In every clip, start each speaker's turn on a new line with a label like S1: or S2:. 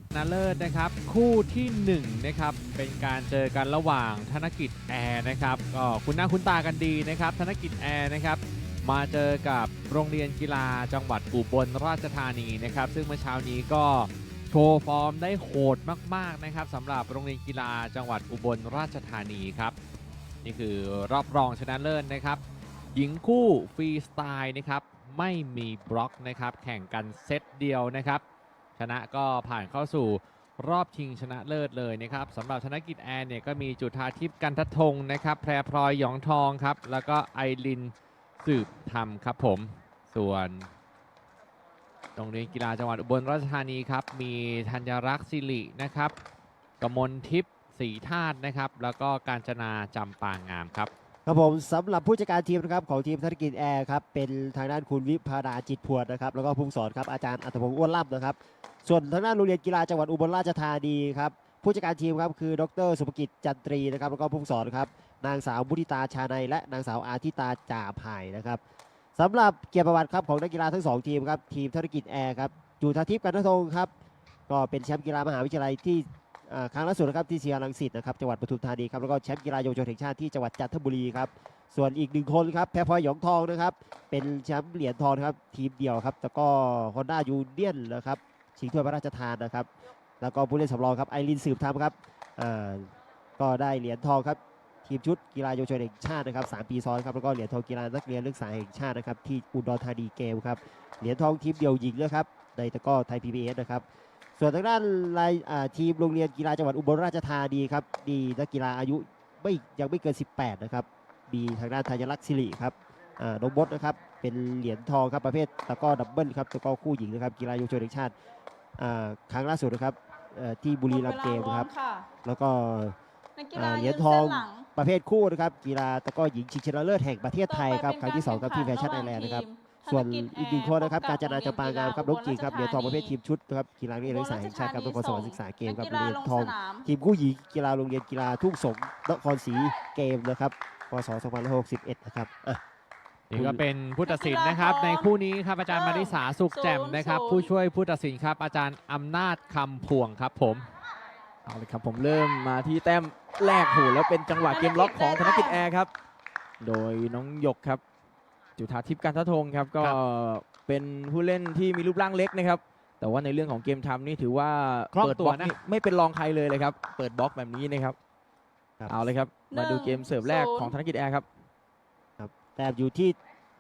S1: ชนะเลิศนะครับคู่ที่1นะครับเป็นการเจอกันระหว่างธนกิจแอร์นะครับก็คุณหน้าคุณตากันดีนะครับธนกิจแอร์นะครับมาเจอกับโรงเรียนกีฬาจังหวัดอุบลราชธานีนะครับซึ่งเมื่อเช้านี้ก็โชว์ฟอร์มได้โหดมากๆนะครับสำหรับโรงเรียนกีฬาจังหวัดอุบลราชธานีครับนี่คือรอบรองชนะเลิศนะครับหญิงคู่ฟรีสไตล์นะครับไม่มีบล็อกนะครับแข่งกันเซตเดียวนะครับชนะก็ผ่านเข้าสู่รอบชิงชนะเลิศเลยนะครับสำหรับธนกิจแอร์เนี่ยก็มีจุฑาทิพย์กันททงนะครับแพรพลอยหยองทองครับแล้วก็ไอรินสืบธรรมครับผมส่วนโรงเรียนกีฬาจังหวัดอุบลราชธานีครับมีธัญรักษ์สิรินะครับกมลทิพย์ศรีธาตุนะครับแล้วก็กาญจนาจำปางามครับ
S2: ครับผมสำหรับผู้จัดการทีมนะครับของทีมธนกิจแอร์ครับเป็นทางด้านคุณวิภาดาจิตพวดนะครับแล้วก็ผู้สอนครับอาจารย์อัตพงศ์อ้วนล่ำนะครับส่วนทางด้านโรงเรียนกีฬาจังหวัดอุบลราชธานีครับผู้จัดการทีมครับคือดรสุภกิจจันตรีนะครับแล้วก็ผู้สอนครับนางสาวมุทิตาชาในและนางสาวอาทิตาจ่าภายนะครับสำหรับเกียรติประวัติครับของนักกีฬาทั้ง2ทีมครับทีมธนกิจแอร์ครับจุฑาทิพย์กันททงครับก็เป็นแชมป์กีฬามหาวิทยาลัยที่ครั้งล่าสุดนะครับที่เชียร์รังสิตนะครับจังหวัดปทุมธานีครับแล้วก็แชมป์กีฬาเยาวชนแห่งชาติที่จังหวัดจันทบุรีครับส่วนอีก1คนครับแพรพลอยหยองทองนะครับเป็นแชมป์เหรียญทองนะครับทีมเดียวครับแล้วก็ฮอนด้ายูเนียนนะครับชิงถ้วยพระราชทานนะครับแล้วก็ผู้เล่นสำรองครับไอรินสืบธรรมครับก็ได้เหรียญทองครับทีมชุดกีฬาเยาวชนแห่งชาตินะครับ3 ปีซ้อนครับแล้วก็เหรียญทองกีฬานักเรียนนักศึกษาแห่งชาตินะครับที่อุดรธานีเกมครับเหรียญทองทีมเดียวหญิงนะครับในตะกร้อไทย PBS นะครับส่วนทางด้านทีมโรงเรียนกีฬาจังหวัดอุบลราชธานีครับมีนักกีฬาอายุยังไม่เกิน18นะครับมีทางด้านธัญลักษณ์สิริครับน้องมดนะครับเป็นเหรียญทองครับประเภทตะกร้อดับเบิลครับตะกร้อคู่หญิงนะครับกีฬาเยาวชนแห่งชาติครั้งล่าสุดนะครับที่บุรีรัมย์เกมครับแล้วก็เหรียญทองประเภทคู่นะครับกีฬาตะกร้อหญิงชิงชนะเลิศแห่งประเทศไทยครับครั้งที่2ครับที่แฟชั่นไอแลนด์นะครับส่วนอีก1คนนะครับกาญจนาจำปางามครับน้องจีครับเหรียญทองประเภททีมชุดครับกีฬานักเรียนนักศึกษาแห่งชาติครับนครสวรรค์ศึกษาเกมครับเหรียญทองทีมคู่หญิงกีฬาโรงเรียนกีฬาทุ่งสงนครศรีเกมนะครับพศ2561นะครับ
S1: นี่ก็เป็นผู้ตัดสินนะครับในคู่นี้ครับอาจารย์มาริสาสุขแจ่มนะครับผู้ช่วยผู้ตัดสินครับอาจารย์อำนาจคำพวงครับผม
S3: เอาเลยครับผมเริ่มมาที่แต้มแรกโหแล้วเป็นจังหวะเกมล็อกของธนกิจแอร์ครับโดยน้องหยกครับจุฑาทิพย์กันททงครับก็เป็นผู้เล่นที่มีรูปร่างเล็กนะครับแต่ว่าในเรื่องของเกมทำนี่ถือว่าเปิดบล็อกนี่ไม่เป็นรองใครเลยครับเปิดบล็อกแบบนี้นะครับเอาเลยครับมาดูเกมเสิร์ฟแรกของธนกิจแอร์ครับ
S2: แต้มอยู่ที่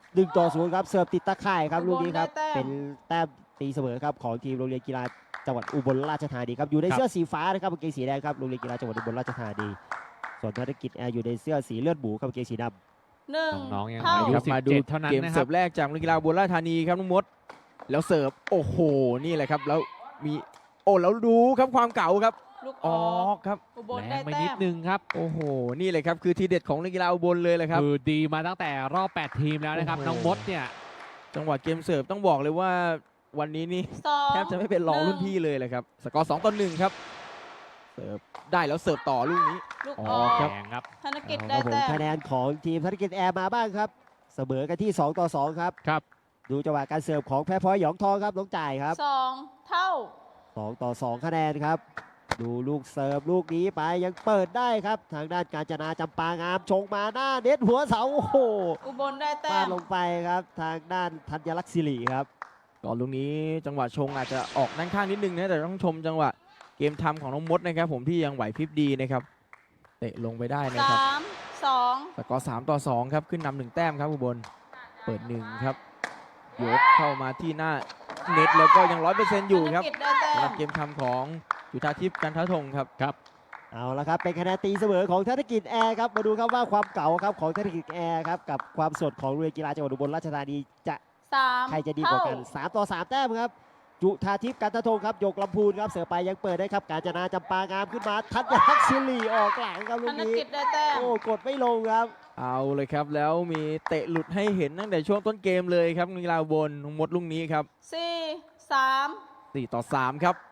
S2: 1-0ครับเสิร์ฟติดตะข่ายครับลูกนี้ครับเป็นแต้มตีเสมอครับของทีมโรงเรียนกีฬาจังหวัดอุบลราชธานีครับอยู่ในเสื้อสีฟ้านะครับกางเกงสีแดงครับโรงเรียนกีฬาจังหวัดอุบลราชธานีส่วนธนกิจแอร์อยู่ในเสื้อสีเลือดหมูครับกางเกงสีดำ
S1: น้องๆยังอายุ17เท่านั้น
S3: เกม
S1: นะค
S3: เสิ
S1: รั
S3: ร์ฟแรกจากโรงเรียนกีฬาอุบลราชธานีครับน้องมดแล้วเสิร์ฟโอ้โหนี่แหละครับแล้วมีแล้วดูครับความเก่าครับออกครับ
S1: แรงไปนิดนึงครับ
S3: โอ้โหนี่เลยครับคือทีเด็ดของนักกีฬาอุบลเลยครับ
S1: คือดีมาตั้งแต่รอบ8ทีมแล้วนะครับน้องมดเนี่ย
S3: จังหวะเกมเสิร์ฟต้องบอกเลยว่าวันนี้นี่แทบจะไม่เป็นรองรุ่นพี่เลยครับสกอร์2-1ครับเสิร์ฟได้แล้วเสิร์ฟต่อลูกนี้
S1: ครับ
S2: ธนกิจได้แต้มคะแนนของทีมธนกิจแอร์มาบ้างครับเสมอกันที่2-2ครับดูจังหวะการเสิร์ฟของแพรพลอยหยองทองครับน้องจ่ายครับ
S4: 2 เท่า
S2: 2-2คะแนนครับดูลูกเสิร์ฟลูกนี้ไปยังเปิดได้ครับทางด้านกาญจนาจำปางามชงมาหน้าเน็ตหัวเสาโอ้โห
S4: อุบลได้แต้ม
S2: ลงไปครับทางด้านธัญลักษณ์สิริครับ
S3: ก่อนลูกนี้จังหวะชงอาจจะออกด้านข้างนิดนึงนะแต่ต้องชมจังหวะเกมทำของน้องมดนะครับผมที่ยังไหวพริบดีนะครับเตะลงไปได้นะครับ
S4: 3-2
S3: สกอร์3-2ครับขึ้นนำ1แต้มครับอุบลเปิด1ครับยกเข้ามาที่หน้าเน็ตแล้วก็ยัง 100% อยู่ครับสำหรับเกมทำของจุฑาทิพย์กันททงครับ
S2: เอาละครับเป็นคะแนนตีเสมอของธนกิจแอร์ครับมาดูครับว่าความเก่าครับของธนกิจแอร์ครับกับความสดของโรงเรียนกีฬาจังหวัดอุบลราชธานีจะใครจะดีกว่ากัน3-3แต้มครับจุฑาทิพย์กันททงครับยกลำพูนครับเสือไปยังเปิดได้ครับกาญจนาจำปางามขึ้นมาธัญลักษณ์สิริออกหลังครับลูกนี้โอ้กดไม่ลงครับ
S3: เอาเลยครับแล้วมีเตะหลุดให้เห็นตั้งแต่ช่วงต้นเกมเลยครับกีฬาอุบลหมดลูกนี้ครับ4-3ครับ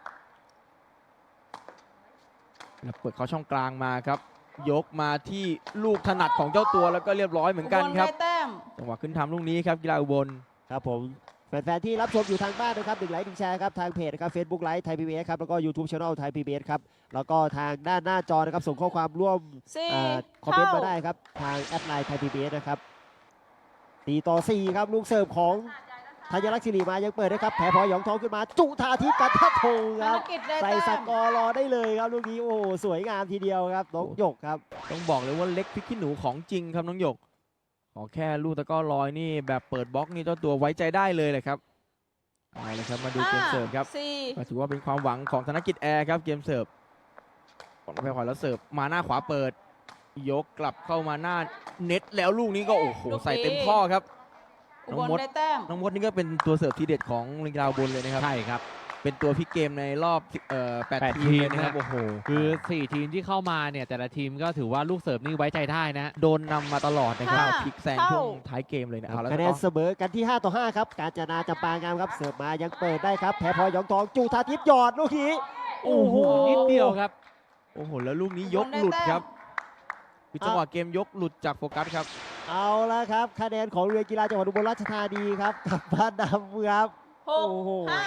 S3: เปิดเข้าช่องกลางมาครับยกมาที่ลูกถนัดของเจ้าตัวแล้วก็เรียบร้อยเหมือนกันครับจังหวะขึ้นทำลูกนี้ครับกีฬาอุบล
S2: ครับผมแฟนๆที่รับชมอยู่ทางบ้านนะครับ1 ไลค์ 1 แชร์ครับทางเพจนะครับ Facebook ไลฟ์ไทยพีบีเอสครับแล้วก็ YouTube Channel ไทยพีบีเอสครับแล้วก็ทางด้านหน้าจอนะครับส่งข้อความร่วม
S4: สี่
S2: คอมเมนต์
S4: เท่า
S2: มาได้ครับทางแอดไลน์ไทยพีบีเอสนะครับ4-4ครับลูกเสิร์ฟของธัญลักษณ์ศิริมายังเปิดนะครับแผลพลอยหยองทองขึ้นมาจุธาทิพย์กันทัดธง
S4: ธ
S2: คน รับ
S4: กิจได้
S2: ใส่
S4: แต้
S2: ส
S4: ม
S2: กอร์รอได้เลยครับลูกนี้โอ้โหสวยงามทีเดียวครับน้องหยกครับ
S3: ต้องบอกเลยว่าเล็กพริกขี้หนูของจริงครับน้องหยกขอแค่ลูกตะกร้อลอยนี่แบบเปิดบล็อกนี่เจ้าตัวไว้ใจได้เลยเลยครับเอาเลยครับมาดูเกมเสิร์ฟครับ
S4: สี่
S3: ก็ถือว่าเป็นความหวังของธนกิจแอร์ครับเกมเสิร์ฟของแพรพลอยแล้วเสิร์ฟมาหน้าขวาเปิด ยกกลับเข้ามาหน้าเน็ตแล้วลูกนี้ก็โอ้โหใส่เต็มข้อครับ
S4: อุ
S3: น้
S4: บ
S3: อง
S4: ล
S3: มด
S4: ได้แต้ม
S3: น้องมดนี่ก็เป็นตัวเสิร์ฟทีเด็ดของลิงดาวบนเลยนะครับ
S1: ใช่ครับ
S3: เป็นตัวพลิกเกมในรอบ
S1: แปด
S3: 8 ทีมเลยนะครับ
S1: ทีมนะ
S3: โอ้โห
S1: คือ 4 ทีมที่เข้ามาเนี่ยแต่ละทีมก็ถือว่าลูกเสิร์ฟนี่ไว้ใจได้นะ
S3: โดนนำมาตลอดนะครับ
S4: ห้า
S3: พลิกแซงช่วงท้ายเกมเลยนะเอาแล้ว
S2: คะแน
S3: ก็
S2: นเสมอกันที่5-5ครับกาญจนาจำปางามครับเสิร์ฟมายังเปิดได้ครับแผลพลอยหยองทองจุธาทิพย์หยอดลูกนี้
S1: โอ้โหนิดเดียวครับ
S3: โอ้โหแล้วลูกนี้ยกหลุดครับคือจังหวะเกมยกหลุดจากโฟกัสครับ
S2: เอาละครับคะแนนของโรงเรียนกีฬาจังหวัดอุบลราชธานีครับกลับมานำครับ
S4: หก
S2: โอ้โห
S4: ห้า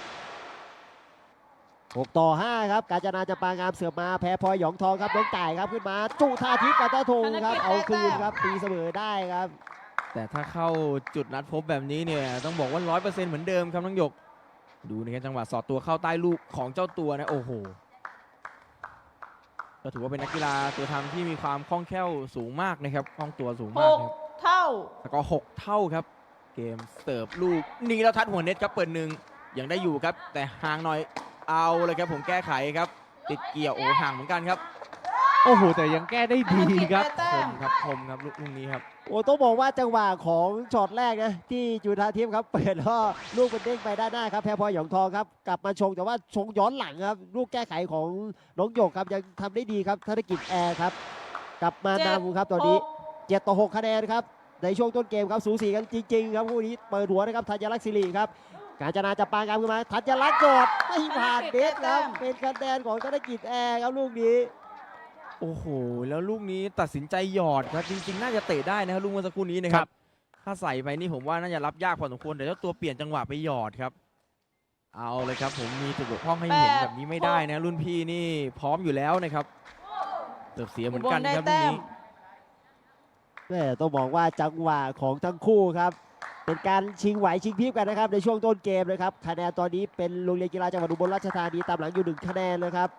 S2: 6-5ครับกาญจนาจำปางามเสิร์ฟมาแพ้พลอยหยองทองครับน้องจ่ายครับขึ้นมาจุธาทิพย์กันตะธงครับเอาคืนครับตีเสมอได้ครับ
S3: แต่ถ้าเข้าจุดนัดพบแบบนี้เนี่ยต้องบอกว่า 100%เหมือนเดิมครับน้องหยก ดูนะครับจังหวะสอดตัวเข้าใต้ลูกของเจ้าตัวนะโอ้โหก็ถือว่าเป็นนักกีฬาตัวทำที่มีความคล่องแคล่วสูงมากนะครับคล่องตัวสูง
S4: ห
S3: มาก
S4: ก
S3: ครับ
S4: เท่า
S3: แล้วก็6 เท่าครับ เกมเสิร์ฟลูกนี้แล้วทัดหัวเน็ตครับเปิดหนึ่งยังได้อยู่ครับ แต่ห่างหน่อยเอาเลยครับผมแก้ไขครับ ติดเกี่ยวโอ้ห่างเหมือนกันครับ
S1: โอ้โห แต่ยังแก้ได้ดีครับ
S4: ธนกิจได้แต้
S3: ค
S4: ม
S3: มครับคมครับลูกนี้ครับ
S2: โอ้ต้องบอกว่าจังหวะของช็อตแรกนะที่จุธาทิพย์ครับเปิดแล้วลูกเป็นเด้งไปด้านหน้าครับแพ้พลอยหยองทองครับกลับมาชงแต่ว่าชงย้อนหลังครับลูกแก้ไขของน้องหยกครับยังทำได้ดีครับธนกิจแอร์ครับกลับมานำครับตอนนี้ 7-6 คะแนนครับในช่วงต้นเกมครับสูสีกันจริงๆครับคู่นี้เปิดหัวนะครับธัญลักษณ์ศิริครับกาญจนาจับปางามขึ้นมาธัญลักษณ์กดไม่ผ่านเด็ดครับเป็นคะแนนของธนกิจแอร์ครับลูกนี้
S3: โอ้โห แล้วลูกนี้ตัดสินใจหยอดครับ จริงๆ น่าจะเตะได้นะครับลูกเมื่อสักครู่นี้นะค
S1: ค
S3: รั
S1: รับ บ
S3: ถ้าใส่ไปนี่ผมว่าน่าจะรับยากพอสมควรแต่เจ้าตัวเปลี่ยนจังหวะไปหยอดครับ เอาเลยครับผมมีจุดบกพร่องให้เห็นแบบนี้ไม่ได้นะ รุ่นพี่นี่พร้อมอยู่แล้วนะครับเติบเสียเหมือนกัน
S4: ได้
S3: ครับลูก
S4: แต้ม
S3: นี้
S2: แม่ต้องบอกว่าจังหวะของทั้งคู่ครับเป็นการชิงไหวชิงพริบกันนะครับในช่วงต้นเกมนะครับคะแนนตอนนี้เป็นโรงเรียนกีฬาจังหวัดอุบลราชธานีตามหลังอยู่1 คะแนนเลยครับ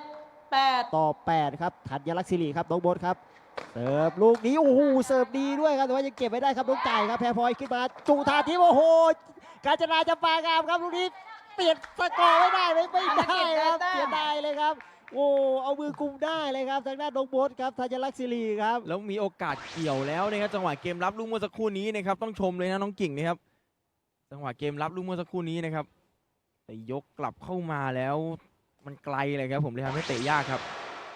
S4: 7-8
S2: 7-8ครับธัญลักษณ์ศิริครับน้องโบทครับเสิร์ฟลูกนี้โอ้โหเสิร์ฟดีด้วยครับแต่ว่ายังเก็บไม่ได้ครับน้องจ่ายครับแพ้พลอยขึ้นมาจุธาทิพย์โอ้โหกาญจนาจำปางามครับลูกนี้เปลี่ยนสกอร์ไม่ได้เลยไม่ได้ครับเสียดายเลยครับโอ้เอามือกุมได้เลยครับทางด้านน้องโบทครับธัญลักษณ์ศิริครับ
S3: แล้วมีโอกาสเกี่ยวแล้วนะครับจังหวะเกมรับลูกเมื่อสักครู่นี้นะครับต้องชมเลยนะน้องกิ่งนะครับจังหวะเกมรับลูกเมื่อสักครู่นี้นะครับแต่ยกกลับเข้ามาแล้วมันไกลเลยครับผมเลยทำให้เตะยากครับ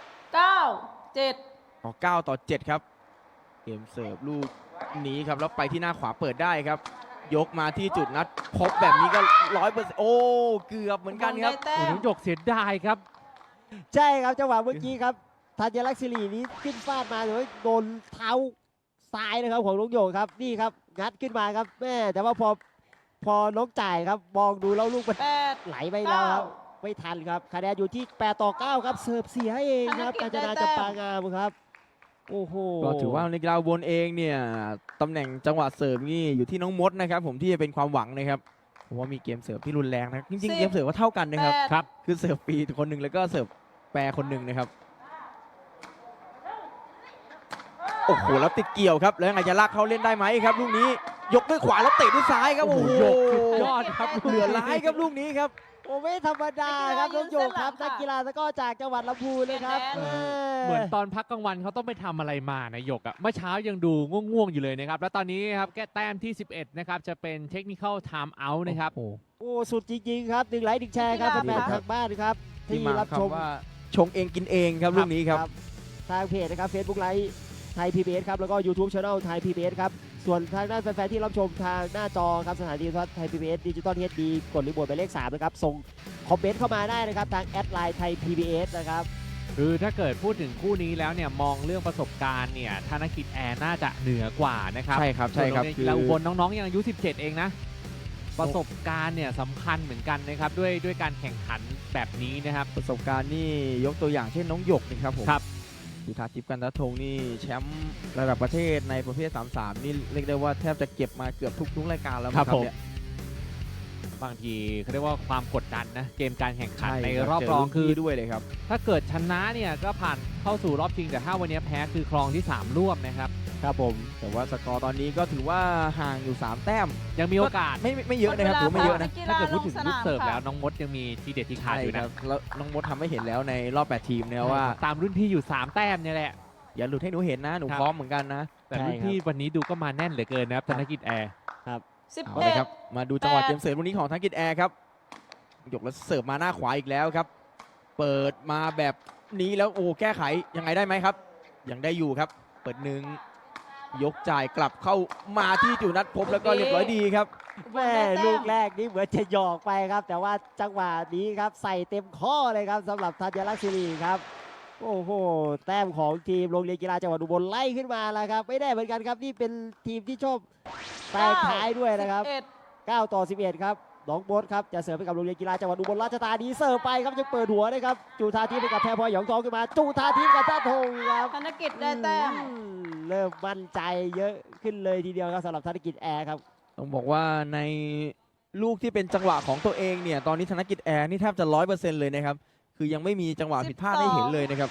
S4: 9-7
S3: ต่อ9 ต่อ 7 ครับ เกมเสิร์ฟลูกนี้ครับแล้วไปที่หน้าขวาเปิดได้ครับ ยกมาที่จุดนัดพบแบบนี้ก็100%โอ้เกือบเหมือนกันครับ
S4: ได้แต้
S1: โอ้
S4: ม
S1: น้องหยกเสียดายครับ
S2: ใช่ครับจังหวะเมื่อกี้ครับธัญลักษณ์ศิรินี้ขึ้นฟาดมาหรือว่าโดนเท้าซ้ายนะครับของน้องโยงครับนี่ครับงัดขึ้นมาครับแม่แต่ว่าพอน้องจ่ายครับมองดูแล้วลูกมัน
S4: 8
S2: ไหลไปแล้วครับไม่ทันครับคะแนนอยู่ที่8-9ครับเสิร์ฟเสียเองครับกาญจนาจำปางามครับโอ้โห
S3: ก็ถือว่าในกราวบนเองเนี่ยตำแหน่งจังหวะเสิร์ฟนี่อยู่ที่น้องมดนะครับผมที่จะเป็นความหวังนะครับเพราะว่ามีเกมเสิร์ฟที่รุนแรงนะจริงๆเกมเสิร์ฟก็เท่ากันนะครับ
S4: 8
S1: ครับ
S3: คือเสิร์ฟฟรีคนหนึ่งแล้วก็เสิร์ฟแปรคนหนึ่งนะครับโอ้โหแล้วติดเกี่ยวครับแล้วยังไงจะลากเขาเล่นได้ไหมครับลูกนี้ยกด้วยขวาแล้วเตะด้วยซ้ายครับโอ้โห
S1: ยกสุดยอดครับ
S3: เหลือร้ายครับลูกนี้ครับ
S2: โอ้ไม่ธรรมดาครับน้องโยงครับนักกีฬาตะกร้อจากจังหวัดลำพูนนะครับ
S1: เหมือนตอนพักกลางวันเขาต้องไปทำอะไรมานะหยกอะเมื่อเช้ายังดูง่วงๆอยู่เลยนะครับ แล้วตอนนี้ครับแก้แต้มที่ 11 นะครับ จะเป็นเทคนิค ไทม์เอาท์นะครับ
S2: โอ้สุดจริงๆครับ1 ไลค์ 1 แชร์ครับ
S4: กีฬา
S2: แฟนๆทางบ้านครับ
S3: ที่
S2: ที่
S3: มา
S2: รับชม
S3: คำว่าชงเองกินเองครับลูกนี้ครับ
S2: ทางเพจนะครับ Facebook ไลฟ์ไทย PBS ครับแล้วก็ YouTube Channel ไทย PBS ครับส่วนทางด้านแฟนๆที่รับชมทางหน้าจอครับสถานีโทรทัศน์ไทย PBS ดิจิตอลเฮดดีกดรีโมทไปเลข 3 นะครับส่งคอมเมนต์เข้ามาได้นะครับทางแอดไลน์ไทย PBS นะครับ
S1: คือถ้าเกิดพูดถึงคู่นี้แล้วเนี่ยมองเรื่องประสบการณ์เนี่ยธนกิจแอร์น่าจะเหนือกว่านะครับ
S3: ใช่ครับใช่ครับ
S1: ส่วนโงเยนกีฬาอุบลน้องๆยังอายุ 17 เองนะประสบการณ์เนี่ยสำคัญเหมือนกันนะครับด้วยการแข่งขันแบบนี้นะครับ
S3: ประสบการณ์นี่ยกตัวอย่างเช่นน้องหยกนี่ครับผม
S1: ครับ
S3: จุธาทิพย์กันทธงนี่แชมป์ระดับประเทศในประเภท 33 นี่เรียกได้ว่าแทบจะเก็บมาเกือบทุกรายการแล้วมั้ง
S1: ครับผม
S3: เนี่ย
S1: บางทีเขาเรียกว่าความกดดันนะเกมการแข่งขัน
S3: ใช่
S1: ใน
S3: คบ
S1: รอบ
S3: เจ
S1: รอง
S3: น
S1: คือ
S3: พี่ด้วยเลยครับ
S1: ถ้าเกิดชนะเนี่ยก็ผ่านเข้าสู่รอบชิงแต่ถ้าวันนี้แพ้คือครองที่ 3 ร่วมนะครับ
S2: ครับผม
S3: แต่ว่าสกอร์ตอนนี้ก็ถือว่าห่างอยู่ 3 แต้ม
S1: ยังมีโอกาส
S3: ไม่เยอะนะครับถือว่าไม่เยอะนะ
S1: ถ้าเกิดพูดถึงลูกเสิร์ฟแล้วน้องมดยังมีทีเด็ดทีขาด
S3: ใช่
S1: อยู่
S3: ค
S1: นะ
S3: รับแล้วน้องมดทำให้เห็นแล้วในรอบ 8 ทีมนะครับว่า
S1: ตามรุ่นพี่อยู่ 3 แต้มเนี่ยแหละ
S3: อย่าหลุดให้หนูเห็นนะหนู
S1: ครับ
S3: พร้อมเหมือนกันนะ
S1: แต่รุ่นพี่วันนี้ดูก็มาแน่นเหลือเกินนะครับธนกิจแอร์
S3: เอาเลยครับ
S4: 11
S3: มาดูจังหวะ
S4: 8
S3: เกมเสิร์ฟวันนี้ของธนกิจแอร์ครับยกแล้วเสิร์ฟมาหน้าขวาอีกแล้วครับ เปิดมาแบบนี้แล้วโอ้แก้ไขยังไงได้ไหมครับ ยังได้อยู่ครับ เปิดหนึ่งยกจ่ายกลับเข้ามาที่จุนัทพบแล้วก็เรียบร้อยดีครับ
S2: แม่ลูกแรกนี่เหมือนจะหยอกไปครับ แต่ว่าจังหวะนี้ครับใส่เต็มข้อเลยครับสำหรับธัญลักษณ์ศิริครับโอ้โหแต้มของทีมโรงเรียนกีฬาจังหวัดอุบลไล่ขึ้นมาแล้วครับไม่ได้เหมือนกันครับนี่เป็นทีมที่ชอบแตกท้ายด้วยนะครับ
S4: 11
S2: 9 ต่อ 11 ครับน้องโบ๊ทครับจะเสิร์ฟให้กับโรงเรียนกีฬาจังหวัดอุบลราชธานีเสิร์ฟไปครับจะเปิดหัวนะครับจุธาทิพย์ให้กับแพรพลอยหยองทองขึ้นมาจุธาทิพย์กับท่าทงครับ
S4: ธนกิจได้แต้ม
S2: เริ่มมั่นใจเยอะขึ้นเลยทีเดียวครับสำหรับธนกิจแอร์ครับ
S3: ต้องบอกว่าในลูกที่เป็นจังหวะของตัวเองเนี่ยตอนนี้ธนกิจแอร์นี่แทบจะ 100% เลยนะครับคือยังไม่มีจังหวะผิดพลาดให้เห็นเลยนะครับ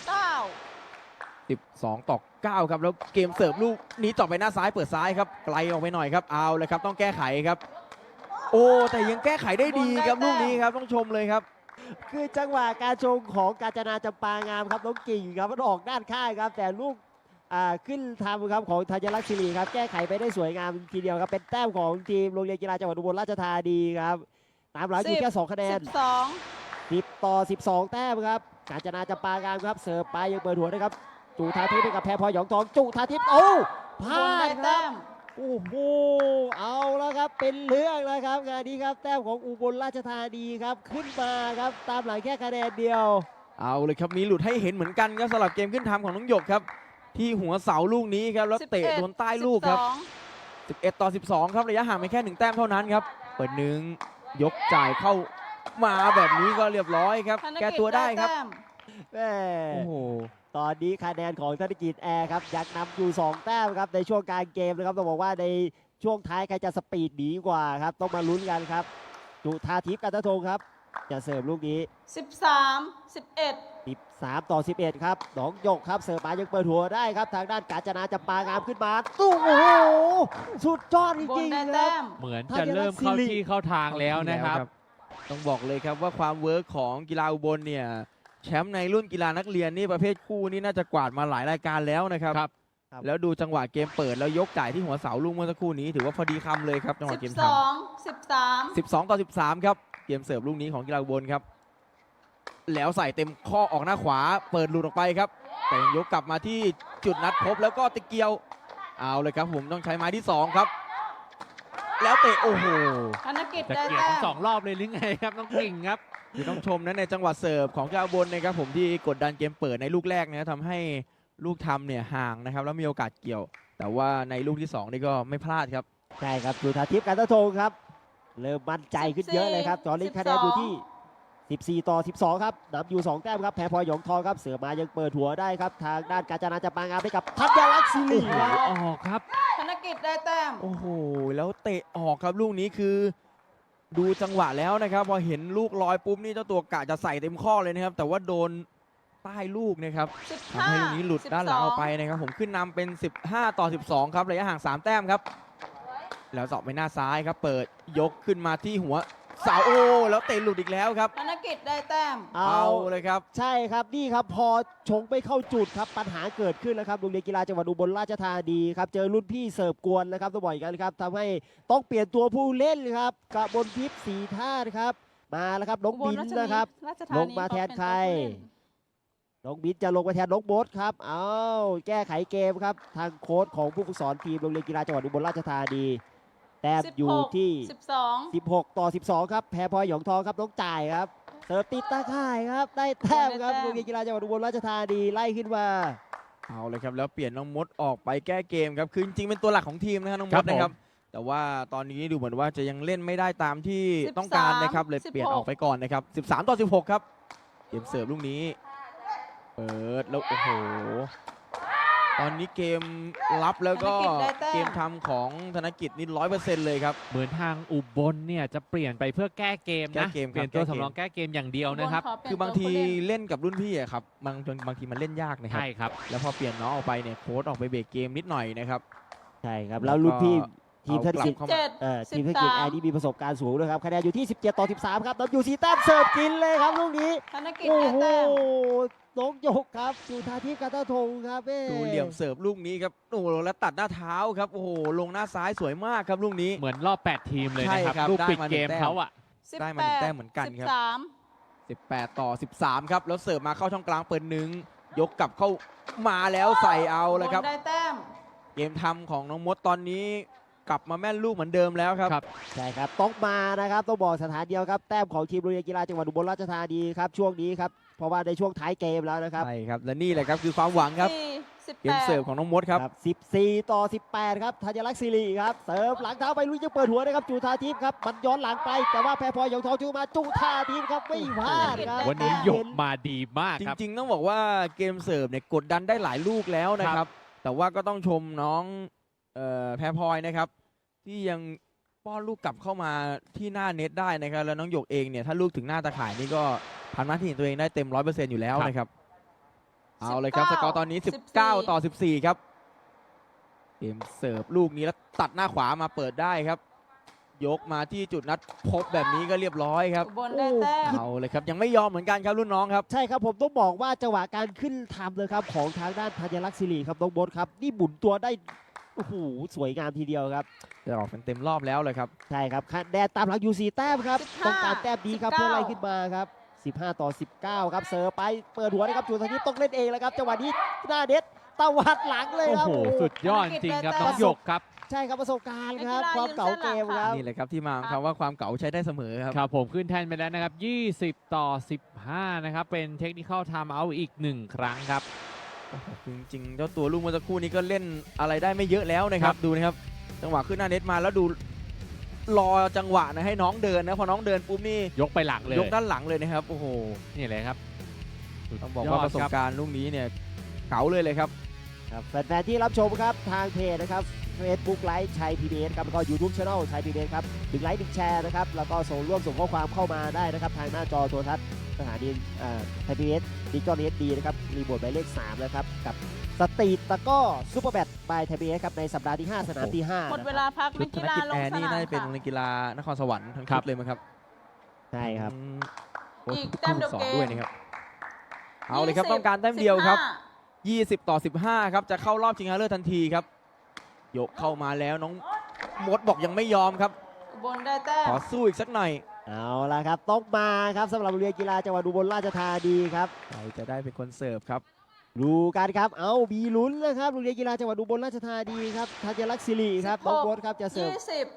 S3: 12 ต่อ 9 ครับแล้วเกมเสิร์ฟลูกนี้ต่อไปหน้าซ้ายเปิดซ้ายครับไกลออกไปหน่อยครับเอาเลยครับต้องแก้ไขครับ โอ้แต่ยังแก้ไขได้ดีครับลูกนี้ครับต้องชมเลยครับ
S2: คือจังหวะการชงของกาญจนาจำปางามครับน้องกิ่งครับมันออกด้านข้างครับแต่ลูกขึ้นทำครับของธัญลักษณ์ศิริครับแก้ไขไปได้สวยงามทีเดียวครับเป็นแต้มของทีมโรงเรียนกีฬาจังหวัดอุบลราชธานีครับตามหลังอยู่แค่2คะแนน
S4: 12
S2: 10 ต่อ 12 แต้มครับกาญจนาจำปางามครับเสิร์ฟไปยังเปิดหัวนะครับจุธาทิพย์ให้กับแพรพลอยหยองทองจุธาทิพย์โอ้พ
S4: อุ
S2: ลา
S4: บลได้
S2: ดครั
S4: แต้
S2: บ
S4: ม
S2: โอ้โหเอาแล้วครับเป็นเรื่องแล้วครับงานนี้ครับแต้มของอุบลราชธานีครับขึ้นมาครับตามหลังแค่คะแนนเดียว
S3: เอาเลยครับมีหลุดให้เห็นเหมือนกันครับสำหรับเกมขึ้นทำของน้องหยกครับที่หัวเสาลูกนี้ครับแล้วเตะโดนใต้ลูกครับ 11 ต่อ 12 ครับระยะห่างไปแค่1แต้มเท่านั้นครับเปิดหนึ่งยกจ่ายเข้ามาแบบนี้ก็เรียบร้อยครับ
S4: ธน
S3: แก้
S4: กิจ
S3: ตัวได้ครับ
S4: แต้ม
S2: แม่
S3: โอ้โห
S2: ตอนนี้คะแนนของธนกิจแอร์ครับยังนำอยู่ 2 แต้มครับในช่วงกลางเกมนะครับต้องบอกว่าในช่วงท้ายใครจะสปีดหนีกว่าครับต้องมาลุ้นกันครับจุธาทิพย์กันทะทงครับจะเสิร์ฟลูกนี้
S4: 13 11
S2: 13 ต่อ 11 ครับน้องหยกครับเสิร์ฟมายังเปิดหัวได้ครับทางด้านกาญจนาจำปางามขึ้นมาตู้โอ้โหสุดยอดจ
S4: อุบล
S2: ริง
S4: ได้
S2: ๆครั
S4: แต้
S2: บ
S4: ม
S1: เหมือนจะเริ่มเข้าที่เข้าทางแล้วนะครับ
S3: ต้องบอกเลยครับว่าความเวิร์กของกีฬาอุบลเนี่ยแชมป์ในรุ่นกีฬานักเรียนนี่ประเภทคู่นี่น่าจะกวาดมาหลายรายการแล้วนะครับ
S1: ครับ
S3: แล้วดูจังหวะเกมเปิดแล้วยกจ่ายที่หัวเสาลูกเมื่อสักครู่นี้ถือว่าพอดีคำเลยครับจังหวะเกมทำ
S4: 12 13
S3: 12 ต่อ 13 ครับ เกมเสิร์ฟลูกนี้ของกีฬาอุบลครับ แล้วใส่เต็มข้อออกหน้าขวา เปิดหลุดออกไปครับ แต่ยังยกกลับมาที่จุดนัดพบแล้วก็ตะเกียว เอาเลยครับผมต้องใช้ไม้ที่ 2 ครับ แล้วเตะโอ้โห
S4: ธนกิจ
S1: จะ
S4: ได้
S1: เกี่ยว
S4: แต้
S1: ทั้ง
S4: ม
S1: สองรอบเลยหรือไงครับน้องกิ่งครับ
S3: คือต้องชมนะในจังหวะเสิร์ฟของกีฬาอุบลนะครับผมที่กดดันเกมเปิดในลูกแรกนะทำให้ลูกทำเนี่ยห่างนะครับแล้วมีโอกาสเกี่ยว แต่ว่าในลูกที่ 2 นี่ก็ไม่พลาดครับ
S2: ใช่ครับจุธาทิพย์กันทะทงครับเริ่มมั่นใจขึ้นเยอะเลยครับตอนนี้คะแนนอยู่ที่ 14 ต่อ 12 ครับนำอยู่ 2 แต้มครับแพรพลอยหยองทองครับเสือมายังเปิดหัวได้ครับทางด้านกาญจนาจำปางามให้กับธัญลักษณ์ศิริครับ
S1: ออกครับ
S4: ธนกิจได้แต้ม
S3: โอ้โห แล้วเตะออกครับลูกนี้คือดูจังหวะแล้วนะครับพอเห็นลูกลอยปุ๊บนี่เจ้าตัวกะจะใส่เต็มข้อเลยนะครับ แต่ว่าโดนใต้ลูกนะครับทำให้ลูกนี้หลุดด้านหลังออกไปนะครับผมขึ้นนำเป็น 15 ต่อ 12 ครับระยะห่าง 3 แต้มครับ แล้วเสาะไปหน้าซ้ายครับ เปิดยกขึ้นมาที่หัวเสาโอ้แล้วเตะหลุดอีกแล้วครับ
S4: ธนกิจได้แต้ม
S3: เอาเลยครับ
S2: ใช่ครับนี่ครับพอชงไม่เข้าจุดครับปัญหาเกิดขึ้นแล้วครับโรงเรียนกีฬาจังหวัดอุบลราชธานีครับเจอรุ่นพี่เสิร์ฟกวนนะครับต้องบอกอย่างนั้นครับทำให้ต้องเปลี่ยนตัวผู้เล่นครับกระบนทิพย์สีท่านะครับมาแล้วครับน้องบินนะครับ ลงมาแทนใคร น้องบินจะลงมาแทนน้องโบ๊ทครับเอาแก้ไขเกมครับทางโค้ชของผู้ฝึกสอนทีมโรงเรียนกีฬาจังหวัดอุบลราชธานีแต้มอยู่ที่
S4: 12
S2: 16 ต่อ 12 ครับแพรพลอยหยองทองครับน้องจ่ายครับเสิร์ฟติดตาข่ายครับได้แต้มครับ
S4: ได้แต้ม
S2: โรงเรียนกีฬาจังหวัดอุบลราชธานีไล่ขึ้นมา
S3: เอาเลยครับแล้วเปลี่ยนน้องมดออกไปแก้เกมครับคือจริงๆเป็นตัวหลักของทีมนะครับน้องม
S1: ครั
S3: ด
S1: บผม
S3: นะครับแต่ว่าตอนนี้ดูเหมือนว่าจะยังเล่นไม่ได้ตามที่
S4: 13
S3: ต้องการนะครับเลยเปลี่ยนออกไปก่อนนะครับ13-16ครับเกมเสิร์ฟลูกนี้เปิดแล้วโอ้โหตอนนี้เกมรับแล้วก็
S4: ธนกิจได้แต้ม
S3: เกมทำของธนกิจนี่100%เลยครับ
S1: เหมือนทางอุบลเนี่ยจะเปลี่ยนไปเพื่อแก้เกม
S3: แก้
S1: นะ
S3: เกมครับ
S1: เปลี่ยนตัว
S3: แก้เกม
S1: สำรองแก้เกมอย่างเดียวนะครับ
S3: คือบางทีเล่นกับรุ่นพี่อะครับบางทีมันเล่นยากนะครับ
S1: ใช่ครับ
S3: แล้วพอเปลี่ยนน้องออกไปเนี่ยโค้ชออกไปเบรกเกมนิดหน่อยนะครับ
S2: ใช่ครับแล้วรุ่นพี่ทีมธนกิจ
S3: เอากลับเข้ามา
S2: ทีมธนกิจแอร์นี่มีประสบการณ์สูงด้วยครับคะแนนอยู่ที่ 17-13 ครับน้องยูซีแต้มเสิร์ฟกินเลยครับลูกนี้
S4: ธนกิจ
S2: โอ้
S4: ได้
S2: โห
S4: แต้ม
S2: น้องหยกครับจุธาทิพย์กันตะทงครับเอ้
S3: ดูเหลี่ยมเสิร์ฟลูกนี้ครับโอ้โหแล้วตัดหน้าเท้าครับโอ้โหลงหน้าซ้ายสวยมากครับลูกนี้
S1: เหมือนรอบ 8 ทีมเลยนะค
S3: ใช่ครั
S1: รับบ ลูกปิด
S3: ได้มา
S1: เกม
S3: 1 แต้ม
S1: เขาอะ
S3: ได้มา1 แต้มเหมือนกันครับ
S4: 13
S3: 18-13ครับแล้วเสิร์ฟมาเข้าช่องกลางเปิดหนึ่งยกกลับเข้ามาแล้วใส่เอาเลยครับ
S4: อุบลได้แต้ม
S3: เกมทำของน้องมดตอนนี้กลับมาแม่นลูกเหมือนเดิมแล้วครับ
S1: ครับ
S2: ใช่ครับต้องมานะครับต้องบอกสถานเดียวครับแต้มของทีมโรงเรียนกีฬาจังหวัดอุบลราชธานีครับช่วงนี้ครับเพราะว่าในช่วงท้ายเกมแล้วนะครับ
S3: ใช่ครับและนี่แหละครับคือความหวังครับ
S4: 4
S3: เกมเสิร์ฟของน้องมดครับ
S2: 14-18 ครับธัญลักษณ์ศิริครับเสิร์ฟหลังเท้าไปลุยจะเปิดหัวนะครับจุธาทิพย์ครับมันย้อนหลังไปแต่ว่าแพรพลอยหยงทองจูมาจุธาทิพย์ครับไม่พลาดครับ
S1: วันนี้หยกมาดีมาก
S3: จ
S1: ครับ
S3: ริงๆต้องบอกว่าเกมเสิร์ฟเนี่ยกดดันได้หลายลูกแล้วนะครับ แต่ว่าก็ต้องชมน้องแพรพลอยนะครับ ที่ยังป้อนลูกกลับเข้ามาที่หน้าเน็ตได้นะครับแล้วน้องหยกเองเนี่ยถ้าลูกถึงหน้าตาข่ายนี่ก็ทำหน้าที่ของตัวเองได้เต็ม 100% อยู่แล้วนะครับเอาเลยครับสกอร์ตอนนี้ 19-14 ครับเกมเสิร์ฟลูกนี้แล้วตัดหน้าขวามาเปิดได้ครับ ยกมาที่จุดนัดพบแบบนี้ก็เรียบร้อยครับ
S4: อุบลได้แต้ม
S3: เอาเลยครับยังไม่ยอมเหมือนกันครับรุ่นน้องครับ
S2: ใช่ครับผมต้องบอกว่าจังหวะการขึ้นทำเลยครับของทางด้านธัญลักษณ์ศิริครับน้องบดครับนี่หมุนตัวได้โอ้โหสวยงามทีเดียวครับ
S3: จะออกเป็นเต็มรอบแล้วเลยครับ
S2: ใช่ครับคะแนนตามหลังอยู่4แต้มครับ
S4: 15
S2: ต้องการแต้มดีครับ
S4: 19
S2: เพื่อไล่ขึ้นมาครับ15-19ครับเสิร์ฟไปเปิดหัวนะครับจุธาทิพย์ต้องเล่นเองแล้วครับจังหวะนี้หน้าเน็ตตวัดหลังเลย
S1: โอ้
S2: ครับ
S1: โห สุดยอดจริงครับ
S4: ธนกิจได้แต้ม
S1: น้องหยกครับ
S2: ใช่ครับประสบการณ์ครับ
S4: นักกีฬา
S2: ความเก่าเกมครับ
S3: นี่แหละครับที่มาของคำว่าความเก่าใช้ได้เสมอครับ
S1: ครับผมขึ้นแทนไปแล้วนะครับ 20-15 นะครับ เป็นเทคนิคอลไทม์เอาท์อีก 1 ครั้งครับ
S3: จริงๆเจ้าตัวลูกเมื่อสักครู่นี้ก็เล่นอะไรได้ไม่เยอะแล้วนะครับดูนะครับจังหวะขึ้นหน้าเน็ตมาแล้วดูรอจังหวะนะให้น้องเดินนะพอน้องเดินปุ๊บนี่
S1: ยกไปหลังเลย
S3: ยกด้านหลังเลยนะครับโอ้โห
S1: นี่เลยครับ
S3: ต้องบอกว่าประสบการณ์ลูกนี้เนี่ยเก๋าเลยครับ
S2: ครับแฟนๆที่รับชมครับทางเพจนะครับ Facebook ไลฟ์ชัย PBS ครับแล้วก็ YouTube Channel ชัย PBS ครับ1ไลค์1แชร์นะครับแล้วก็ส่งข้อความเข้ามาได้นะครับทางหน้าจอโทรทัศน์สถานีไทย PBS ดิจิตอลเอสดีนะครับรีโมทหมายเลข3นะครับกับสตรีทตะกร้อซูเปอร์แบทบายไทย PBS ครับในสัปดาห์ที่ 5 สนามที่5
S4: หมดเวลาพัก
S3: ชุ
S4: นั
S3: ด
S4: ก
S3: ธ
S4: กี
S3: น
S4: ฬา
S3: กิจ
S4: ล
S3: แอง ร์
S4: ส
S3: นี่
S4: นาม
S3: น่าจะเป็น
S4: ค่ะ
S3: โรงเรียนกีฬานครสวรรค์ทั้ง
S1: ครั
S3: ชุ
S1: บ
S3: ดเลยมั้งครับ
S2: ใช่ครับ
S3: โค้ช
S4: อีก
S3: ทุก
S4: แต้ม
S3: ผู้
S4: เดียว
S3: สอน
S4: เกม
S3: ด้วยนะครับเอาเลยครับต้องการแต้มเดียวครับ 20-15 ครับจะเข้ารอบชิงชนะเลิศทันทีครับยกเข้ามาแล้วน้องมดบอกยังไม่ยอมครับ
S4: อุบลได้แต้ม
S3: ขอสู้อีกสักหน่อย
S2: เอาละครับต้องมาครับสำหรับโรงเรียนกีฬาจังหวัดอุบลราชธานีครับ
S3: ใครจะได้เป็นคนเสิร์ฟครับ
S2: ดูกันครับเอามีลุ้นนะครับโรงเรียนกีฬาจังหวัดอุบลราชธานีครับธัญลักษณ์ศิริครับน้องโบ๊ทครับจะเสิร์ฟ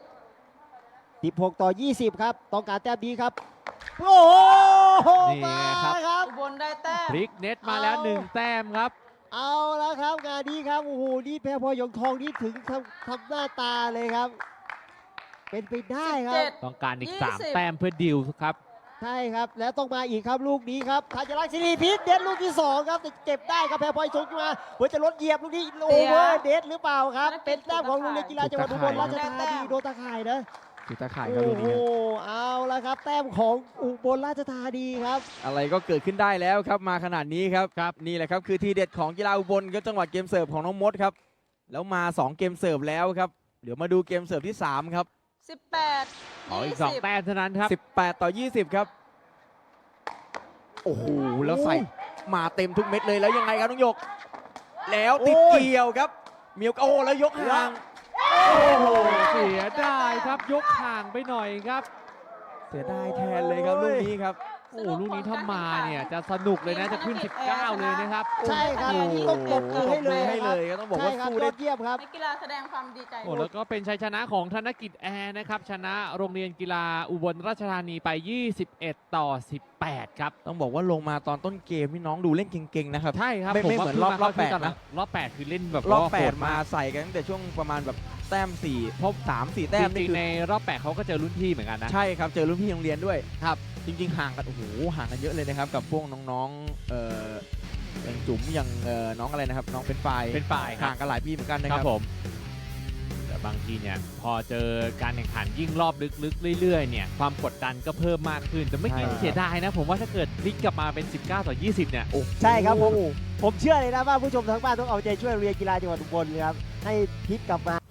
S2: 16-20 ครับต้องการแต้มดีครับโอ้โห
S1: นี่ไง
S2: มา
S1: ครับ
S2: ครับ
S4: อุบลได้แต้ม
S1: พลิกเน็ตมาแล้ว 1 แต้มครับ
S2: เอาแล้วครับงานนี้ครับโอ้โหนี่แพรพลอยหยงทองนี่ถึงทำหน้าตาเลยครับ เป็นไปได้ครับ
S4: 17
S1: ต้องการอีก
S4: 20
S1: 3 แต้มเพื่อดิวครับ
S2: ใช่ครับแล้วต้องมาอีกครับลูกนี้ครับธัญลักษณ์ศิริพิษเด็ดลูกที่2ครับแต่เก็บได้ครับแพรพลอยชงขึ้นมาหัวจะลดเหยียบลูกนี้โอเวอร์เด็ดหรือเปล่าครับ เป็นแต้มของโรงเรียนกีฬาจังหวัดอุบลราชธานีโดนตะข่ายนะ
S3: คือตาข่ายครับ
S2: โอ้
S3: ลูก
S2: โห
S3: นี้ครับ
S2: เอาละครับแต้มของอุบลราชธานีครับ
S3: อะไรก็เกิดขึ้นได้แล้วครับมาขนาดนี้ครับนี่แหละครับคือทีเด็ดของกีฬาอุบลครับจังหวะเกมเสิร์ฟของน้องมดครับแล้วมา2เกมเสิร์ฟแล้วครับเดี๋ยวมาดูเกมเสิร์ฟที่3ครับ
S4: 18
S1: ขออีก 2 แต้มเท่านั้นครับ
S3: 18-20 ครับโอ้โหแล้วใส่มาเต็มทุกเม็ดเลยแล้วยังไงครับน้องหยก แล้วติด
S2: โอ้ย
S3: เกี่ยวครับเมียวโอ้แล้วยกห่าง
S1: โอ้โห เสียดายครับ ยกห่างไปหน่อยครับ
S3: เสียดายแทนเลยครับลูกนี้ครับ
S1: โอ้โหลูกนี้ถ้ามาเนี่ยจะสนุกเลยนะจะขึ้น 19 เลยนะครับ
S2: ใช่ครับ
S4: โอ้โห
S2: ต้องปรบมือให้เลย
S3: ให้เลยก็ต้องบอก
S2: ใช่
S3: ว่า
S2: ครับ
S3: สู้
S2: ย
S3: ได้
S2: อดเยี่ยมครับ
S4: นักกีฬาแสดงความดีใจ
S1: โอ้แล้วก็เป็นชัยชนะของธนกิจแอร์นะครับชนะโรงเรียนกีฬาอุบลราชธานีไป 21 ต่อ 18 ครับ
S3: ต้องบอกว่าลงมาตอนต้นเกมนี่น้องดูเล่นเก่งๆนะครับ
S1: ใช่ครับ
S3: ไม่
S1: ผ
S3: เหมือนรอบ
S1: ว่าขึ้
S3: แปด
S1: ตอน
S3: นะ
S1: รอบ 8 คือเล่นแบบ
S3: รอบ
S1: ว่าโหด
S3: 8 มาใส่กันตั้งแต่ช่วงประมาณแบบแต้ม4พบ3-4 แต้ม
S1: จ
S3: นี่
S1: ริง
S3: คือ
S1: ๆในรอบ 8 เขาก็เจอรุ่นพี่เหมือนกันนะ
S3: ใช่ครับเจอรุ่นพี่โรงเรียนด้วยครับจริงๆห่างกันโอ้โหห่างกันเยอะเลยนะครับกับพวกน้องๆอย่างจุ๋มอย่างน้องอะไรนะครับน้องเป็นฝ่าย
S1: เป็นฝ่ายครับ
S3: ห่างกันหลายปีเหมือนกันนะ
S1: ค
S3: ค
S1: รั
S3: รั
S1: บบ ผมแต่บางทีเนี่ยพอเจอการแข่งขันยิ่งรอบลึกๆเรื่อยๆเนี่ยความกดดันก็เพิ่มมากขึ้นแต่ไม่อกี้
S3: ใช่
S1: เสียดายนะผมว่าถ้าเกิดพลิกกลับมาเป็น 19 ต่อ 20 เนี่ย
S2: ใช่ครับผมเชื่อเลยนะว่าผู้ชมทั้งบ้านต้องเอาใจช่วยโรงเรียนกีฬาจังหวัดอุบลครับให้พลิกกลับมา